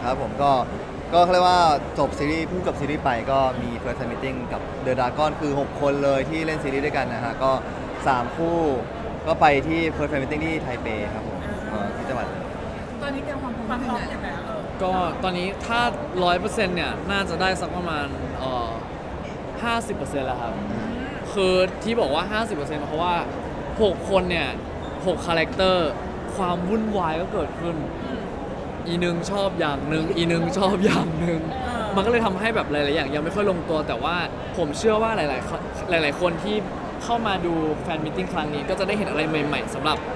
ครับผมก็เขาเรียกว่าจบซีรีส์เพิ่งจบซีรีส์ไปก็มี First Time Meeting กับ The Dragon คือ 6 คนเลยที่เล่นซีรีส์ด้วยกันนะฮะก็ 3 คู่ก็ไปที่ First Time Meeting ที่ไทเปครับผมที่จังหวัดเลยตอนนี้เตรียมความพร้อมยังไงก็ตอนนี้ถ้า 100% เนี่ยน่าจะได้สักประมาณ50%แล้วครับคือที่บอกว่า 50%เพราะว่า 6 คนเนี่ย6คาแรคเตอร์ความวุ่นวายก็เกิดขึ้นอีนึงชอบอย่างหนึ่งอีนึงชอบอย่างหนึ่งมันก็เลยทำให้แบบหลายๆอย่างยังไม่ค่อยลงตัวแต่ว่าผมเชื่อว่าหลายๆคนที่เข้ามาดูแฟนมิทติ้งครั้งนี้ก็จะได้เห็นอะไรใหม่ๆสำหรับ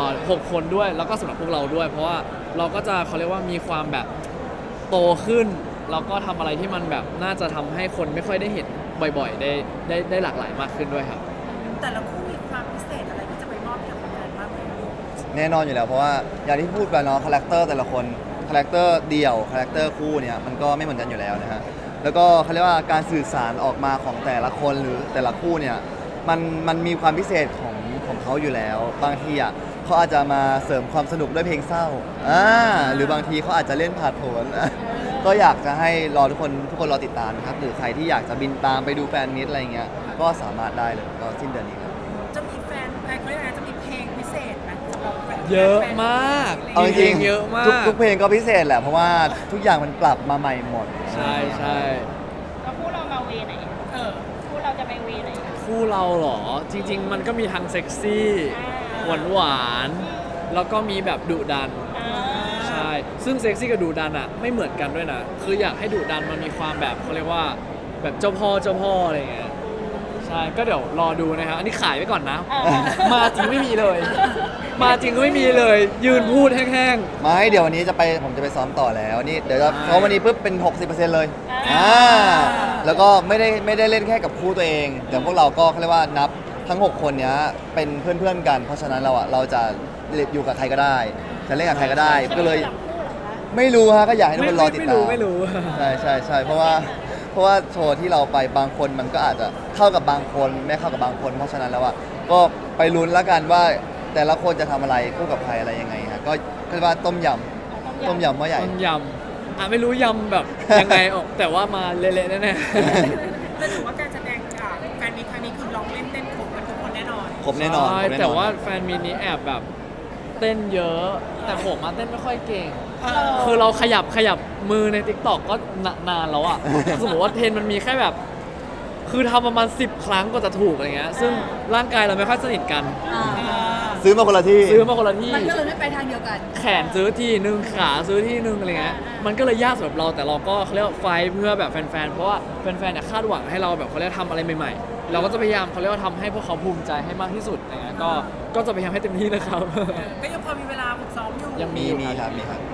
6 คนด้วยแล้วก็สำหรับพวกเราด้วยเพราะว่าเราก็จะเขาเรียกว่ามีความแบบโตขึ้นแล้วก็ทำอะไรที่มันแบบน่าจะทำให้คนไม่ค่อยได้เห็นบ่อยๆได้หลากหลายมากขึ้นด้วยครับแต่ละคู่มีความพิเศษอะไรที่จะไปมอบให้กับแฟนบ้างไหมแน่นอนอยู่แล้วเพราะว่าอย่างที่พูดไปเนาะคาแรคเตอร์แต่ละคนคาแรคเตอร์เดี่ยวคาแรคเตอร์คู่เนี่ยมันก็ไม่เหมือนกันอยู่แล้วนะฮะแล้วก็เขาเรียกว่าการสื่อสารออกมาของแต่ละคนหรือแต่ละคู่เนี่ยมันมีความพิเศษของเขาอยู่แล้วบางทีอ่ะเขาอาจจะมาเสริมความสนุกด้วยเพลงเศร้าหรือบางทีเขาอาจจะเล่นผ่าดโผนก็อยากจะให้รอทุกคนรอติดตามนะครับหรือใครที่อยากจะบินตามไปดูแฟนมิตอะไรเงี้ยก็สามารถได้เลยก็สิ้นเดือนนี้ครับจะมีแฟนเขาเรียกอะไรจะมีเพลงพิเศษไหมสำหรับแฟนเยอะมากเอาจริงเยอะมากทุกเพลงก็พิเศษแหละเพราะว่าทุกอย่างมันปรับมาใหม่หมดใช่ใช่แล้วคู่เรามาเวไหนเออคู่เราจะไปเวไหนคู่เราเหรอจริง ๆ มันก็มีทั้งเซ็กซี่หวานๆแล้วก็มีแบบดุดันใช่ซึ่งเซ็กซี่กับดุดันอ่ะไม่เหมือนกันด้วยนะคืออยากให้ดุดันมันมีความแบบเขาเรียกว่าแบบเจ้าพ่ออะไรอย่างเงี้ยใช่ก็เดี๋ยวรอดูนะครับอันนี้ขายไว้ก่อนนะ มาจริงไม่มีเลย มาจริงก็ไม่มีเลย ยืนพูดแห้งไม่เดี๋ยววันนี้ผมจะไปซ้อมต่อแล้วนี่เดี๋ยวจะซ้อมวันนี้ปุ๊บเป็น 60%เลยแล้วก็ไม่ได้เล่นแค่กับคู่ตัวเองเดี๋ยวพวกเราก็เขาเรียกว่านับทั้ง 6 คนเนี้ยเป็นเพื่อนๆกัน เพราะฉะนั้นเราจะอยู่กับใครก็ได้จะเล่นกับใครก็ได้ก็เลยไม่รู้ฮะก็อยากให้ๆทุกคนรอติดตามไม่รู้ใช่เพราะว่าโชว์ที่เราไปบางคนมันก็อาจจะเข้ากับบางคนไม่เข้ากับบางคน เพราะฉะนั้นแล้วก็ไปลุ้นแล้วกันว่าแต่ละคนจะทำอะไรคู่กับใครอะไรยังไงฮะก็เรียกว่าต้มยำหม้อใหญ่ต้มยำไม่รู้ยำแบบยังไงออกแต่ว่ามาเละๆแน่แต่ถือว่าการแสดงแฟนมีครั้งนี้คือร้องเล่นเต้นครบกันทุกคนแน่นอนครบแน่นอนใช่ครบน่นอนแต่ว่าแฟนมีนี้แอบแบบเต้นเยอะ แต่ผมมาเต้นไม่ค่อยเก่ง คือเราขยับมือใน TikTok ก็นานแล้วอ่ะ สมมติว่าเทรนมันมีแค่แบบ คือทำประมาณ10 ครั้งก็จะถูกอะไรเงี้ยซึ่งร่างกายเราไม่ค่อยสนิทกันซื้อมาคนละที่ซื้อมาคนละที่มันก็เลยไม่ไปทางเดียวกันแขนซื้อที่หนึ่งขาซื้อที่หนึ่งอะไรเงี้ยมันก็เลยยากสำหรับเราแต่เราก็เขาเรียกว่าไฟท์เพื่อแบบแฟนๆเพราะว่าแฟนๆเนี่ยคาดหวังให้เราแบบเขาเรียกทำอะไรใหม่ๆเราก็จะพยายามเขาเรียกว่าทำให้พวกเขาภูมิใจให้มากที่สุดอะไรเงี้ยก็จะพยายามให้เต็มที่นะครับก็ยังพอมีเวลาฝึกซ้อมอยู่ยังมีครับ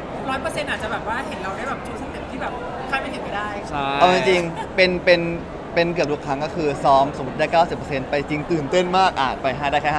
100%อาจจะแบบว่าเห็นเราได้แบบโชว์สเต็ปที่แบบคาดไม่ถึงไม่ได้ใช่เอาจริงๆเป็นเกือบทุกครั้งก็คือซ้อมสมมติได้ 90%ไปจริงตื่นเต้นมากไป5ได้แค่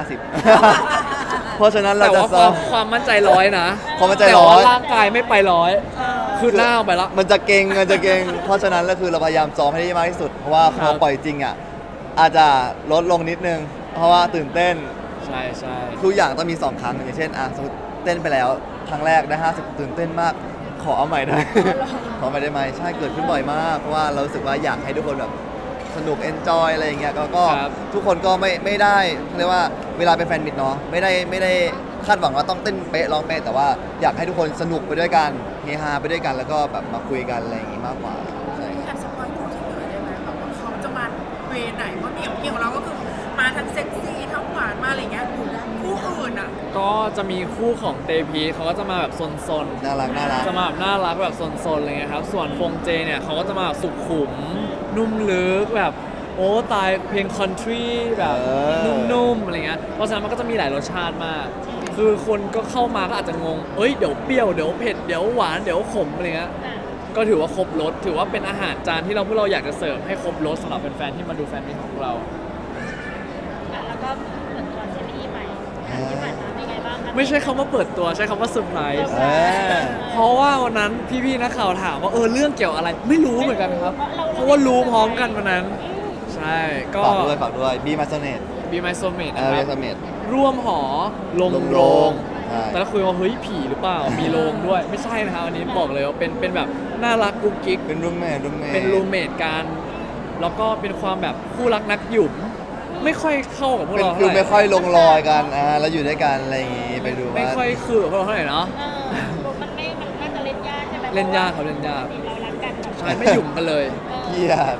50 เพราะฉะนั้นเราแต่จะว่าซ้อมความมั่นใจร้อยนะความมั่นใจแต่ร้ว่าอยร่างกายไม่ไปร้อยคือหน้าเอาไปแล้วมันจะเก่งเพราะฉะนั้นก็คือเราพยายามซ้อมให้ได้มากที่สุด เพราะว่าพครัอบ ปล่อยจริงอ่ะอาจจะลดลงนิดนึง เพราะว่าตื่นเต้นใช่ใช่ทุกอย่างต้องมี 2 ครั้งอย่างเช่นสมมติเต้นไปแล้วครั้งแรกได้ 50 ตื่นเต้นมาก ขอเอาใหม่ได้ ขอใหม่ได้ไหมใช่เกิดขึ้นบ่อยมากเพราะว่าเรารู้สึกว่าอยากให้ทุกคนแบบสนุกเอนจอยอะไรอย่างเงี้ยก็ทุกคนก็ไม่ได้เรียกว่าเวลาเป็นแฟนมิตรเนาะไม่ได้คาดหวังว่าต้องเต้นเป๊ะร้องเป๊ะแต่ว่าอยากให้ทุกคนสนุกไปด้วยกันเฮฮาไปด้วยกันแล้วก็แบบมาคุยกันอะไรอย่างงี้มากกว่าใช่แอบสปอยคู่ที่เหลือได้ไหมแบบว่าเขาจะมาเวไหนเพราะเกี่ยวของเราก็คือมาทั้งเซ็กซี่ทั้งหวานมาอะไรเงี้ยคู่อื่นอ่ะก็จะมีคู่ของเตพีเขาก็จะมาแบบซนๆน่ารักจะมาแบบน่ารักแบบซนๆอะไรเงี้ยครับ ส่วนฟงเจเนี่ยเขาก็จะมาแบบสุขุม นุ่มลึกแบบโอ้ตายเพลงคอนทรีแบบนุ่มๆอะไรเงี้ย เพราะฉะนั้นมันก็จะมีหลายรสชาติมาก คือคนก็เข้ามาก็อาจจะงง เอ้ยเดี๋ยวเปรี้ยวเดี๋ยวเผ็ดเดี๋ยวหวานเดี๋ยวขมอะไรเงี้ย ก็ถือว่าครบรสถือว่าเป็นอาหารจานที่พวกเราอยากจะเสิร์ฟให้ครบรสสำหรับแฟนๆที่มาดูแฟนมิตรของพวกเราแล้วก็เปิดตัวซีรีส์ใหม่ที่ผ่านมาเป็นไงบ้างคะไม่ใช่คำว่าเปิดตัวใช้คำว่าเซอร์ไพรส์เออเพราะว่าวันนั้นพี่ๆนักข่าวถามว่าเรื่องเกี่ยวอะไรไม่รู้เหมือนกันครับ เพราะว่ารู้พร้อมกันวันนั้น ใช่ก็ฝากด้วยบีมาโซเนต Be My Soulmate เอนะอคบีรับมาโซเนตร่วมหอลงลงโรโรง งใช่แต่ละคุยว่าเฮ้ยผีหรือเปล่ามีโรงด้วยไม่ใช่นะครับอันนี้บอกเลยว่าเป็นแบบน่ารักกุ๊กกิ๊กเป็นรูมเมทเป็นรูเมทกันแล้วก็เป็นความแบบคู่รักนักหยุมไม่ค่อยเข้ากับพวกเป็นเราฟิเท่าลไหไม่ร่ค่อยลงรอยกันแล้วอยู่ด้วยกันอะไรอย่างงี้ไปดูไม่ว่าค่อยคือกับพวกเราเท่าไหร่เนาะมันน่าจะเล่นยากใช่ไหมเล่นยากครับเล่นยากเรารักกันแบบใช่ไม่หยุ่มกันเลยเกียด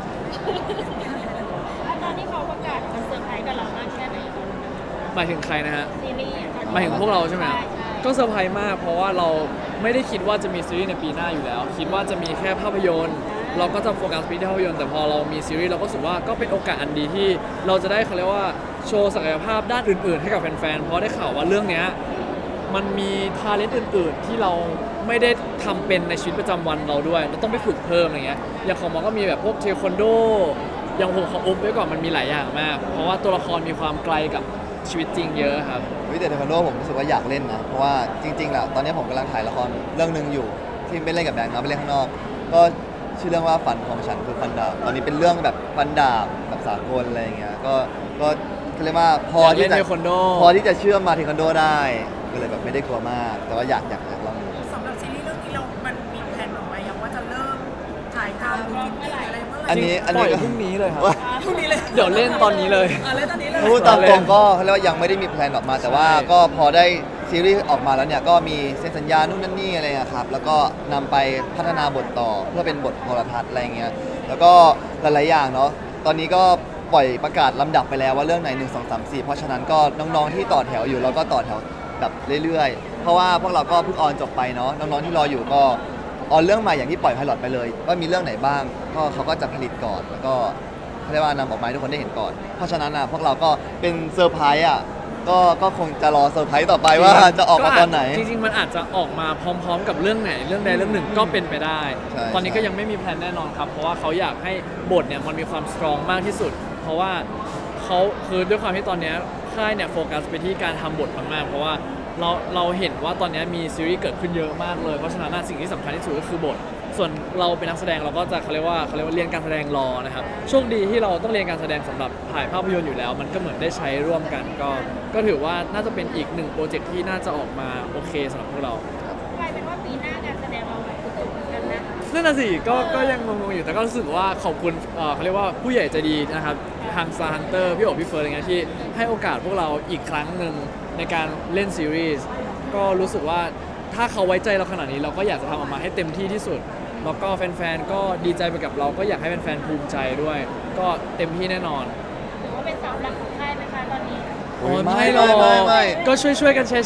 ตอนที่เขาประกาศมันเซอร์ไพรส์กับเรามากแค่ไหนตอนนั้นหมายถึงใครนะฮะซีรีส์อะตอนที่หมายถึงพวกเราใช่ไหมใช่ก็เซอร์ไพรส์มากเพราะว่าเราไม่ได้คิดว่าจะมีซีรีส์ในปีหน้าอยู่แล้ว คิดว่าจะมีแค่ภาพยนตร์ เราก็จะโฟกัสไปที่ภาพยนตร์แต่พอเรามีซีรีส์เราก็รู้สึกว่าก็เป็นโอกาสอันดีที่เราจะได้เขาเรียกว่าโชว์ศักยภาพด้านอื่นๆ ให้กับแฟนๆเพราะได้ข่าวว่าเรื่องเนี้ยมันมีทาเลนต์อื่นๆ ที่เราไม่ได้ทำเป็นในชีวิตประจำวันเราด้วยเราต้องไปฝึกเพิ่มอะไรเงี้ยอย่างของหมอก็มีแบบพวกเทควันโดอย่างผมขออุบไว้ก่อนมันมีหลายอย่างมาก เพราะว่าตัวละครมีความไกลกับชีวิตจริงเยอะครับวิแต่เทควันโดผมรู้สึกว่าอยากเล่นนะเพราะว่าจริงๆแล้วตอนนี้ผมกำลังถ่ายละครเรื่องหนึ่งอยู่ที่ไม่เล่นกับแบงค์นะไปเล่นข้างนอก ก็ชื่อเรื่องว่าฝันของฉันคือฟันดาบตอนนี้เป็นเรื่องแบบฟันดาบแบบสากลอะไรอย่างเงี้ยก็เขาเรียกว่าพอที่อยากเล่จะนเทควันโดพอที่จะเชื่อมมาเทควันโดได้ก็เลยแบบไม่ได้กลัวมาก แต่ว่าอยากลองดูสำหรับซีรีส์เรื่องนี้มันมีแผนออกมายังว่าจะเริ่มถ่ายทำหรือฟิตติ้งอะไรเมื่อไหร่อันนี้ปล่อยพรุ่งนี้เลยครับพรุ่งนี้เลยเดี๋ยวเล่นตอนนี้เลยเล่นตอนนี้เลยพูดตามตรงก็เขาเรียกว่ายังไม่ได้มีแพลนออกมา แต่ว่าใช่ก็พอได้ซีรีส์ออกมาแล้วเนี่ยก็มีเซ็นสัญญานู่นนั่นนี่อะไรอะครับแล้วก็นำไปพัฒนาบทต่อเพื่อเป็นบทโทรทัศน์อะไรเงี้ยแล้วก็หลายๆอย่างเนาะตอนนี้ก็ปล่อยประกาศลำดับไปแล้วว่าเรื่องไหน1 2 3 4เพราะฉะนั้นก็น้องๆที่ต่อแถวอยู่เราก็ต่อแถวแบบเรื่อยๆ เพราะว่าพวกเราก็เพิ่งออนจบไปเนาะน้องๆที่รออยู่ก็ออนเรื่องใหม่อย่างที่ปล่อยไพลอตไปเลยว่ามีเรื่องไหนบ้างก็เขาก็จะผลิตก่อนแล้วก็เขาเรียกว่านำออกมาให้ทุกคนได้เห็นก่อน เพราะฉะนั้นพวกเราก็เป็นเซอร์ไพรส์ก็คงจะรอเซอร์ไพรส์ต่อไปว่าจะออกมาตอนไหนจริงๆ มันอาจจะออกมาพร้อมๆ กับเรื่องไหนเรื่องใดเรื่องหนึ่งก็เป็นไปได้ใช่ตอนนี้ก็ยังไม่มีแพลนแน่นอนครับ เพราะว่าเขาอยากให้บทเนี่ยมันมีความสตรองมากที่สุด เพราะว่าเขาคือด้วยความที่ตอนเนี้ยค่ายเนี่ยโฟกัสไปที่การทำบทมากๆ เพราะว่าเราเห็นว่าตอนเนี้ยมีซีรีส์เกิดขึ้นเยอะมากเลย เพราะฉะนั้นสิ่งที่สำคัญที่สุดก็คือบท ส่วนเราเป็นนักแสดงเราก็จะเขาเรียกว่าเรียนการแสดงรอนะครับ โชคดีที่เราต้องเรียนการแสดงสำหรับถ่ายภาพยนตร์อยู่แล้ว มันก็เหมือนได้ใช้ร่วมกัน ก็ถือว่าน่าจะเป็นอีกหนึ่งโปรเจกต์ที่น่าจะออกมาโอเคสำหรับพวกเรากลายเป็นว่าปีหน้าการแสดงเราแบบตุกๆกันนะนั่นน่ะสิก็ยังงงๆอยู่แต่ก็รู้สึกว่าขอบคุณเขาเรียกว่าผู้ใหญ่ใจดีนะครับทาง Star Hunter พี่โอ๋พี่เฟิร์นอะไรเงี้ยที่ให้โอกาสพวกเราอีกครั้งหนึ่งในการเล่นซีรีส์ก็รู้สึกว่าถ้าเขาไว้ใจเราขนาดนี้เราก็อยากจะทำออกมาให้เต็มที่ที่สุด แล้วก็แฟนๆก็ดีใจไปกับเราก็อยากให้แฟนๆภูมิใจด้วย ก็เต็มที่แน่นอนหรือว่าเป็นเสาหลักของค่ายไหมคะตอนนี้โอ้ยไม่ไม่หรอกไม่ก็ช่วยๆกันแชร์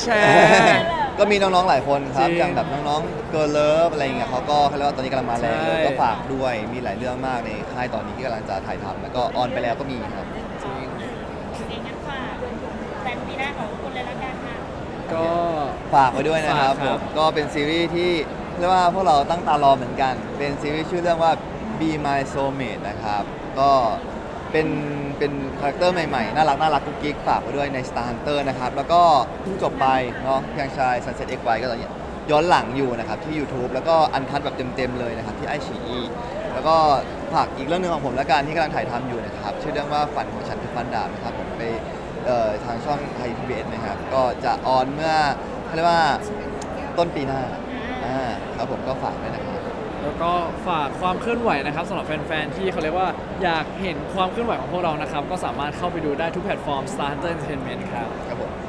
ก็มีน้องๆหลายคนครับจริงอย่างแบบน้องๆเกิร์ลเลิฟอะไรอย่างเงี้ยเขาก็เขาเรียกว่าตอนนี้กำลังมาแรงใช่ก็ฝากด้วยมีหลายเรื่องมากในค่ายตอนนี้ที่กำลังจะถ่ายทำแล้วก็ออนไปแล้วก็มีครับจริงเองงั้นฝากแฟนปีหน้าของคุณเลยละกันค่ะก็ฝากไว้ด้วยนะครับฝากครับผมก็เป็นซีรีส์ที่เรียกว่าพวกเราตั้งตารอเหมือนกัน เป็นซีรีส์ชื่อเรื่องว่า Be My Soulmate นะครับ ก็เป็นคาแรคเตอร์ใหม่ๆ น่ารักกุ๊กกิ๊กฝากไว้ด้วยใน Star Hunter นะครับ แล้วก็เพิ่งจบไปเนาะยังชาย Sunset XY ก็ตอนนี้ย้อนหลังอยู่นะครับที่ YouTube แล้วก็อันคัดแบบเต็มๆเลยนะครับที่ไอชีอีแล้วก็ฝากอีกเรื่องหนึงของผมและกันที่กำลังถ่ายทำอยู่นะครับ ชื่อเรื่องว่าฝันของฉันคือฟันดาบนะครับผมไปทางช่องไทยพีบีเอสนะครับก็จะออนเมื่อเขาเรียกว่าต้นปีหน้าครับผมก็ฝากด้วยนะครับแล้วก็ฝากความเคลื่อนไหวนะครับสำหรับแฟนๆที่เขาเรียกว่าอยากเห็นความเคลื่อนไหวของพวกเรานะครับก็สามารถเข้าไปดูได้ทุกแพลตฟอร์ม Star Hunter Entertainment ครับครับผม